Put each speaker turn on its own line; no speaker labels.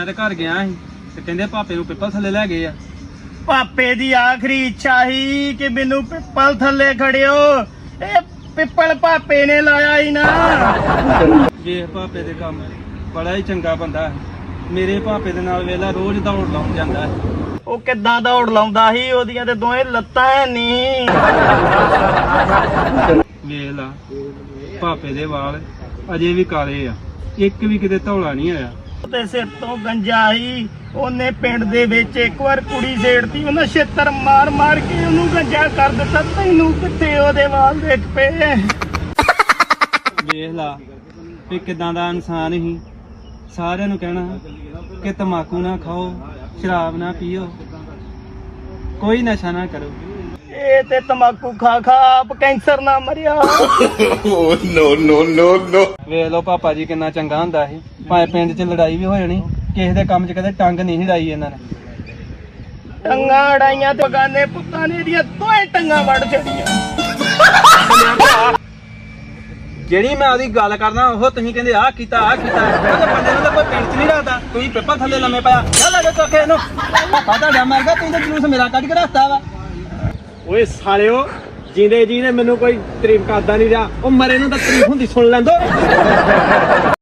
ਮੈਂ ਤੇ ਘਰ ਗਿਆ ਸੀ ਤੇ ਕਹਿੰਦੇ ਭਾਪੇ ਨੂੰ ਪਿੱਪਲ ਥੱਲੇ ਲੈ ਗਏ ਆ।
ਪਾਪੇ ਦੀ ਆਖਰੀ ਇੱਛਾ ਸੀ ਕਿ ਮੈਨੂੰ ਪਿੱਪਲ ਥੱਲੇ ਖੜਿਓ। ਇਹ ਪਿੱਪਲ ਪਾਪੇ ਨੇ ਲਾਇਆ ਹੀ ਨਾ।
ਵੇਖ ਭਾਪੇ ਦੇ ਕੰਮ, ਬੜਾ ਹੀ ਚੰਗਾ ਬੰਦਾ ਹੈ। ਮੇਰੇ ਭਾਪੇ ਦੇ ਨਾਲ ਵੇਲਾ ਰੋਜ਼ ਦੌੜ ਲਾਉਣ ਜਾਂਦਾ ਹੈ।
ਉਹ ਕਿੱਦਾਂ ਦੌੜ ਲਾਉਂਦਾ ਸੀ, ਉਹਦੀਆਂ ਤੇ ਦੋਵੇਂ ਲੱਤਾਂ ਨਹੀਂ।
ਵੇਖ ਲਾ ਭਾਪੇ ਦੇ ਵਾਲ ਅਜੇ ਵੀ ਕਾਲੇ ਆ, ਇੱਕ ਵੀ ਕਿਤੇ ਧੌਲਾ ਨਹੀਂ ਆਇਆ।
ਤੇ ਸਿਰ ਤੋਂ ਗੰਜਾ ਸੀ। ਉਹਨੇ ਪਿੰਡ ਦੇ ਵਿੱਚ ਇੱਕ ਵਾਰ ਕੁੜੀ ਛੇੜਤੀ, ਉਹਨਾਂ ਛੇਤਰ ਮਾਰ ਮਾਰ ਕੇ ਉਹਨੂੰ ਗੰਜਾ ਕਰ ਦਿੱਤਾ। ਤੈਨੂੰ ਕਿੱਥੇ ਉਹਦੇ ਵਾਲ ਦੇਖ ਪਏ।
ਵੇਖ ਲਾ ਵੀ ਕਿਦਾਂ ਦਾ ਇਨਸਾਨ ਸੀ। ਸਾਰਿਆਂ ਨੂੰ ਕਹਿਣਾ ਕਿ ਤੰਬਾਕੂ ਨਾ ਖਾਓ, ਸ਼ਰਾਬ ਨਾ ਪੀਓ, ਕੋਈ ਨਸ਼ਾ ਨਾ ਕਰੋ।
ਇਹ ਤੇ ਤੰਬਾਕੂ ਖਾ ਖਾ ਆਪ ਕੈਂਸਰ ਨਾ ਮਰਿਆ।
ਨੋ ਵੇਖ ਲੋ ਪਾਪਾ ਜੀ ਕਿੰਨਾ ਚੰਗਾ ਹੁੰਦਾ ਸੀ। ਭਾਵੇਂ ਪਿੰਡ 'ਚ ਲੜਾਈ ਵੀ ਹੋ ਜਾਣੀ, ਕਿਸੇ ਦੇ ਕੰਮ 'ਚ ਕਦੇ ਟੰਗ ਨਹੀਂ ਢਾਈ ਇਹਨਾਂ ਨੇ।
ਟੰਗਾਂ ਅੜਾਈਆਂ ਤੇ ਬਗਾਨੇ ਪੁੱਤਾਂ ਨੇ ਇਹਦੀਆਂ ਦੋਏ ਟੰਗਾਂ ਵੜ ਛੜੀਆਂ।
ਜਿਹੜੀ ਮੈਂ ਉਹਦੀ ਗੱਲ ਕਰਦਾ ਉਹ ਤੁਸੀਂ ਕਹਿੰਦੇ ਆਹ ਕੀਤਾ ਆਹ ਕੀਤਾ। ਉਹਦੇ ਬੰਦੇ ਨੂੰ ਤਾਂ ਕੋਈ ਪਿੰਡ 'ਚ ਨਹੀਂ ਰੱਖਦਾ। ਤੁਸੀਂ ਪਿੱਪਲ ਥੱਲੇ ਲੰਮੇ ਪਿਆ ਚੱਲ ਆ ਜਾ ਚੋਕੇ ਇਹਨੂੰ। ਪਾਪਾ ਤੁਹਾਡਾ ਮਰ ਗਿਆ, ਤੁਸੀਂ ਤਾਂ ਜਲੂਸ ਮੇਰਾ ਕੱਢ ਕੇ ਰੱਖਤਾ ਵਾ।
ਓਏ ਸਾਲਿਓ, ਜਿੰਦੇ ਜੀ ਨੇ ਮੈਨੂੰ ਕੋਈ ਤਾਰੀਫ ਕਰਦਾ ਨਹੀਂ ਰਿਹਾ। ਉਹ ਮਰੇ ਨੂੰ ਤਾਂ ਤਾਰੀਫ ਹੁੰਦੀ ਸੁਣ ਲੈਂਦੋ।